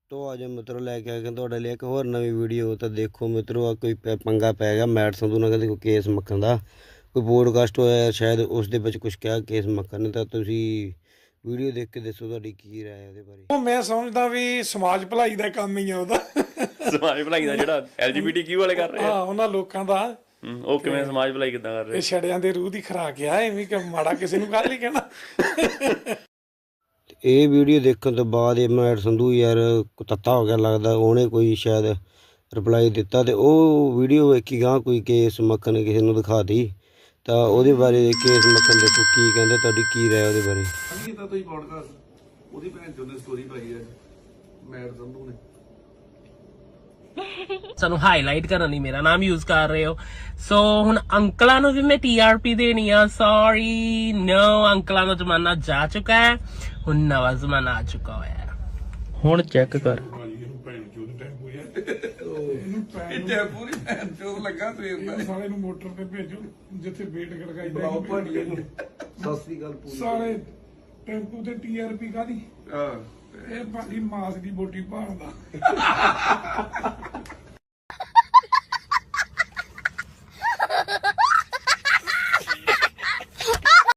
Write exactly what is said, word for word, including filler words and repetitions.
तो आज मित्रों लैके आए तुहाडे लिए एक होर नवीं वीडियो। तो देखो मित्रों आ कोई पंगा पै गया मैट संधू नाल कहंदे कोई केस मक्खन दा कोई पॉडकास्ट होया शायद उस दे विच कुछ कहा केस मक्खन ने। तां तुसीं वीडियो देख के दसो तुहाडी की राय है उहदे बारे। मैं समझदा भी समाज भलाई दा काम ही है उहदा समाज भलाई ਦਾ ਜਿਹੜਾ ਐਲਜੀਬੀਟੀਕਿਊ ਵਾਲੇ ਕਰ ਰਹੇ ਆ ਹਾਂ ਉਹਨਾਂ ਲੋਕਾਂ ਦਾ ਉਹ ਕਿਵੇਂ ਸਮਾਜ ਭਲਾਈ ਕਿੱਦਾਂ ਕਰ ਰਹੇ ਇਹ ਛੜਿਆਂ ਦੇ ਰੂਹ ਦੀ ਖਰਾਕ ਆ ਐਵੇਂ ਕਿ ਮਾੜਾ ਕਿਸੇ ਨੂੰ ਗੱਲ ਨਹੀਂ ਕਹਿਣਾ। ਇਹ ਵੀਡੀਓ ਦੇਖਣ ਤੋਂ ਬਾਅਦ ਇਹ ਮੈਟ ਸੰਧੂ ਯਾਰ ਤੱਤਾ ਹੋ ਗਿਆ ਲੱਗਦਾ ਉਹਨੇ ਕੋਈ ਸ਼ਾਇਦ ਰਿਪਲਾਈ ਦਿੱਤਾ ਤੇ ਉਹ ਵੀਡੀਓ ਵੇਖੀ ਗਾਂ ਕੋਈ ਕੇਸ ਮੱਖਣ ਕਿਸੇ ਨੂੰ ਦਿਖਾਤੀ ਤਾਂ ਉਹਦੇ ਬਾਰੇ ਕੇਸ ਮੱਖਣ ਦੇਖੋ ਕੀ ਕਹਿੰਦੇ ਤੁਹਾਡੀ ਕੀ ਰਾਏ ਉਹਦੇ ਬਾਰੇ। ਕੀਤਾ ਤੁਸੀਂ ਪੋਡਕਾਸਟ ਉਹਦੀ ਭੈਣ ਚੋਂ ਨੇ ਸਟੋਰੀ ਪਾਈ ਹੈ ਮੈਟ ਸੰਧੂ ਨੇ ਸਾਨੂੰ ਹਾਈਲਾਈਟ ਕਰਨ ਲਈ ਮੇਰਾ ਨਾਮ ਯੂਜ਼ ਕਰ ਰਹੇ ਹੋ। ਸੋ ਹੁਣ ਅੰਕਲਾਂ ਨੂੰ ਵੀ ਮੈਂ ਟੀਆਰਪੀ ਦੇਣੀ ਆ। ਸੌਰੀ ਨੋ ਅੰਕਲਾਂ ਦਾ ਜ਼ਮਾਨਾ ਜਾ ਚੁੱਕਾ ਹੈ ਹੁਣ ਨਵਾਂ ਜ਼ਮਾਨਾ ਆ ਚੁੱਕਾ ਹੋਇਆ ਹੁਣ ਚੈੱਕ ਕਰ ਪੂਰੀ ਭੈਣ ਚੋਂ ਲੱਗਾ ਸਵੇਰ ਸਾਰੇ ਨੂੰ ਮੋਟਰ ਤੇ ਭੇਜੋ ਜਿੱਥੇ ਵੇਟ ਖੜਕਾਈ ਬੁਲਾਓ ਭਾਂਡੀਏ ਨੂੰ ਸਤਿ ਸ੍ਰੀ ਅਕਾਲ ਪੂਰੀ ਸਾਰੇ ਟੈਂਪੂ ਤੇ ਟੀਆਰਪੀ ਕਾਦੀ ਹਾਂ ਇਹ ਭਾਜੀ ਮਾਸ ਦੀ ਬੋਟੀ ਭਾਲਦਾ